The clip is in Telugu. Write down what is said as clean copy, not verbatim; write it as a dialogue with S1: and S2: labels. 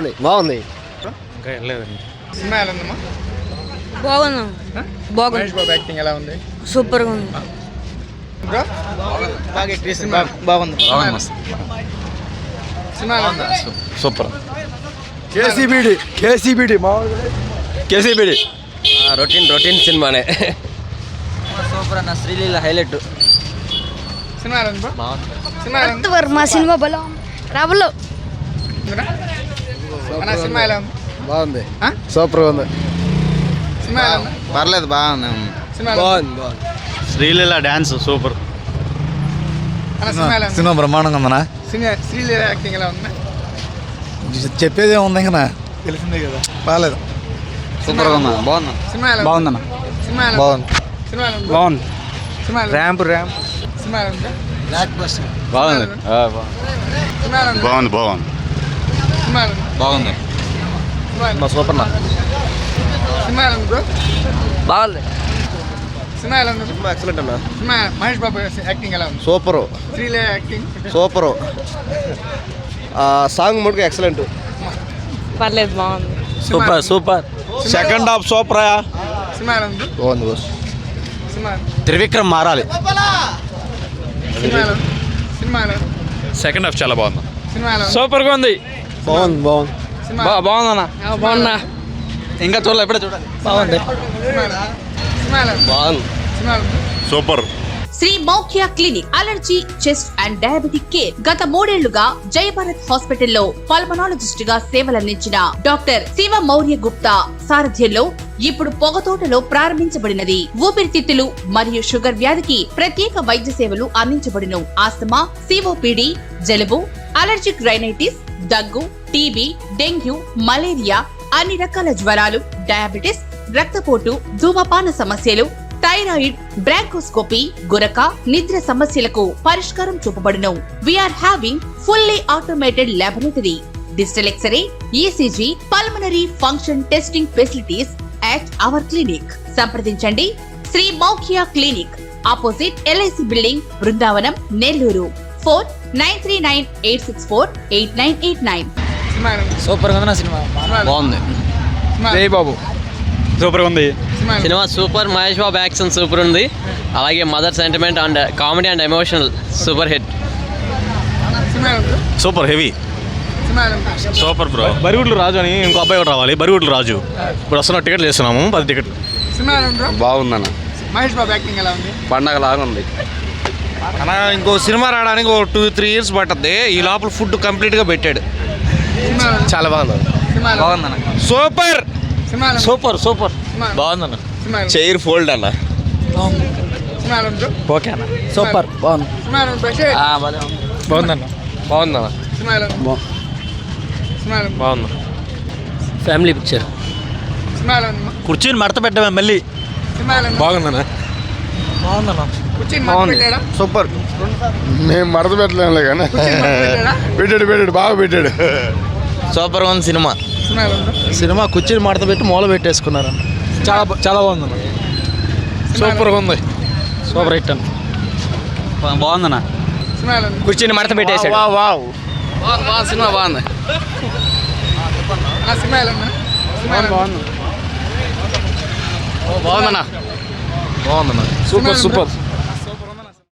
S1: బాగుంది.
S2: ఇంకా వెళ్ళలేదండి.
S3: సినిమా ఎలా ఉందమ్మా?
S4: బాగుంది.
S3: మహేష్ బాబు యాక్టింగ్ ఎలా ఉంది?
S4: సూపర్గా ఉంది.
S3: బ్రో బాగుంది. సినిమా ఎలా ఉంది?
S2: సూపర్.
S1: కేసీబీడి రొటీన్ సినిమానే.
S5: సూపర్ అన్న. శ్రీలీల హైలైట్.
S3: సినిమా ఎలా ఉంది బ్రో? సినిమా ఎలా ఉంది?
S4: మా సినిమా బలం రవలో
S3: అన్న సినిమా ఎలా ఉంది?
S1: బాగుంది. సూపర్గా ఉంది.
S3: సినిమా ఎలా ఉంది?
S5: పర్లేదు బాగుంది.
S3: సినిమా ఎలా ఉంది?
S2: Sreeleela dance super.
S3: అన్న సినిమా ఎలా ఉంది?
S1: సినిమా బ్రహ్మాండంగా ఉందనా?
S3: శ్రీలీల యాక్టింగ్ ఎలా ఉంది?
S1: చెప్పేదే ఉంది ఇంకా తెలిసిందే కదా. బాగాలేదు.
S5: సూపర్గా ఉన్నా. బాగుంది.
S3: సినిమా ఎలా ఉంది?
S1: బాగుందన్న.
S3: సినిమా ఎలా ఉంది?
S1: బాగుంది.
S3: సినిమా ఎలా ఉంది?
S1: బాగుంది.
S3: సినిమా ఎలా ఉంది?
S1: ర్యాంప్
S3: సినిమా ఎలా ఉంది?
S2: బాగుంది.
S3: సినిమా ఎలా ఉంది?
S2: బాగుంది. బాగుంది.
S3: సినిమా ఎలా ఉంది?
S5: బాగుంది.
S3: సినిమా ఎలా ఉంది?
S1: సూపర్ నా.
S3: సినిమా ఎలా ఉంది బ్రో?
S1: బాగుంది.
S3: సినిమా ఎలా ఉంది?
S1: ఎక్సలెంట్ అన్న.
S3: సినిమా మహేష్ బాబు యాక్టింగ్ ఎలా ఉంది?
S1: Super.
S3: Sreeleela acting
S1: super. Song ముడుకు ఎక్సలెంట్.
S4: పర్లేదు బాగుంది.
S1: సూపర్. Second half super.
S3: సినిమా ఎలా ఉంది?
S1: బాగుంది బాస్.
S3: సినిమా
S1: త్రివిక్రమ్ మారాలి.
S3: సినిమా ఎలా ఉంది? సినిమా ఎలా ఉంది?
S2: సెకండ్ హాఫ్ చాలా బాగుంది.
S3: సినిమా ఎలా ఉంది?
S1: సూపర్గా ఉంది. బాగుంది.
S3: సినిమా
S1: బాగుందన్న.
S4: బాగున్నా.
S1: ఇంకా చూడాలి, ఎప్పుడే చూడాలి. బాగుంది.
S3: సినిమా ఎలా ఉంది? సినిమా ఎలా ఉంది?
S1: బాగుంది.
S3: సినిమా ఎలా ఉంది?
S2: Super.
S6: Sri మౌఖ్య clinic allergy, chest and diabetic care గత 3 ఏళ్లుగా జయభారత్ హాస్పిటల్లో పల్మనాలజిస్ట్ గా సేవలందించిన డాక్టర్ శివ మౌర్య గుప్తా సారథ్యంలో ఇప్పుడు పొగతోటలో ప్రారంభించబడినది. ఊపిరితిత్తులు మరియు షుగర్ వ్యాధికి ప్రత్యేక వైద్య సేవలు అందించబడును. ఆస్తమా, సిఓపిడి, జలుబు, అలర్జిక్ రైనైటిస్, దగ్గు, టీబీ, డెంగ్యూ, మలేరియా, అన్ని రకాల జ్వరాలు, డయాబెటిస్, రక్తపోటు, ధూమపాన సమస్యలు, థైరాయిడ్, బ్రాంకోస్కోపీ, గురక, నిద్ర సమస్యలకు పరిష్కారం చూపబడును. We are having fully automated laboratory, digital x ray, ECG, pulmonary function testing facilities at our clinic. సంప్రదించండి Shri మౌఖ్య clinic, opposite LIC building, Brindavanam, Nellore. 493986488989.
S3: Cinema ఎలా ఉంది?
S5: సూపర్గా ఉంది. సినిమా
S1: బాగుంది.
S3: సినిమా
S1: జై బాబు.
S2: సూపర్గా ఉంది.
S3: సినిమా ఎలా ఉంది?
S7: Cinema super. Mahesh Babu action super ఉంది. అలాగే mother sentiment and comedy and emotional super hit.
S3: Cinema ఎలా ఉంది?
S2: Super heavy.
S3: సినిమా ఎలా ఉంది?
S2: Super bro. బరిగుడ్లు రాజు అని ఇంకో అబ్బాయి కూడా రావాలి. బరిగుడ్లు రాజు ఇప్పుడు వస్తున్న టికెట్లు వేస్తున్నాము. 10 టికెట్లు.
S3: సినిమా ఎలా ఉంది బ్రో?
S1: బాగుందన్న.
S3: మహేష్ బాబు యాక్టింగ్ ఎలా ఉంది?
S1: పండగ లాగా ఉంది
S8: అన్న. ఇంకో సినిమా రావడానికి 2-3 ఇయర్స్ పట్టద్ది. ఈ లోపల ఫుడ్ కంప్లీట్గా పెట్టాడు.
S3: సినిమా ఎలా ఉంది?
S1: చాలా బాగుంది.
S3: సినిమా ఎలా ఉంది?
S5: బాగుందన్న.
S8: సూపర్.
S3: సినిమా ఎలా ఉంది?
S1: సూపర్.
S3: సినిమా ఎలా ఉంది?
S1: బాగుందన్న.
S3: సినిమా ఎలా ఉంది?
S1: చైర్ ఫోల్డ్ అన్న.
S3: సినిమా ఎలా ఉంది బ్రో?
S1: ఓకే అన్న. సూపర్. బాగుంది.
S3: సినిమా ఎలా ఉంది బ్రో?
S1: బాగుందన్న. బాగుందన్న.
S3: సినిమా ఎలా ఉంది? సినిమా ఎలా ఉంది?
S1: బాగుంది.
S7: Family picture.
S3: సినిమా ఎలా ఉంది?
S1: కుర్చీని మడత పెట్టామే మళ్ళీ.
S3: సినిమా ఎలా ఉంది?
S1: బాగుందన్న. బాగుందన్న.
S3: కూర్చొని మడత పెట్టాడా?
S1: సూపర్. మేము మడత పెట్టలేము కానీ
S3: కూర్చొని మడత పెట్టాడా?
S1: పెట్టాడు బాగా పెట్టాడు.
S5: సూపర్గా ఉంది సినిమా.
S3: సినిమా ఎలా ఉంది?
S1: సినిమా కుర్చీని మడత పెట్టి మూల పెట్టేసుకున్నారు. చాలా బాగుందన్న. సూపర్గా ఉంది. సూపర్ హిట్ అన్న.
S5: బాగుందన్న.
S3: సినిమా ఎలా ఉంది?
S7: కుర్చీని మడత పెట్టేశాడు.
S1: సినిమా బాగుంది.
S3: అన్న సినిమా ఎలా ఉంది? సినిమా ఎలా ఉంది?
S1: బాగుందన్న. సూపర్.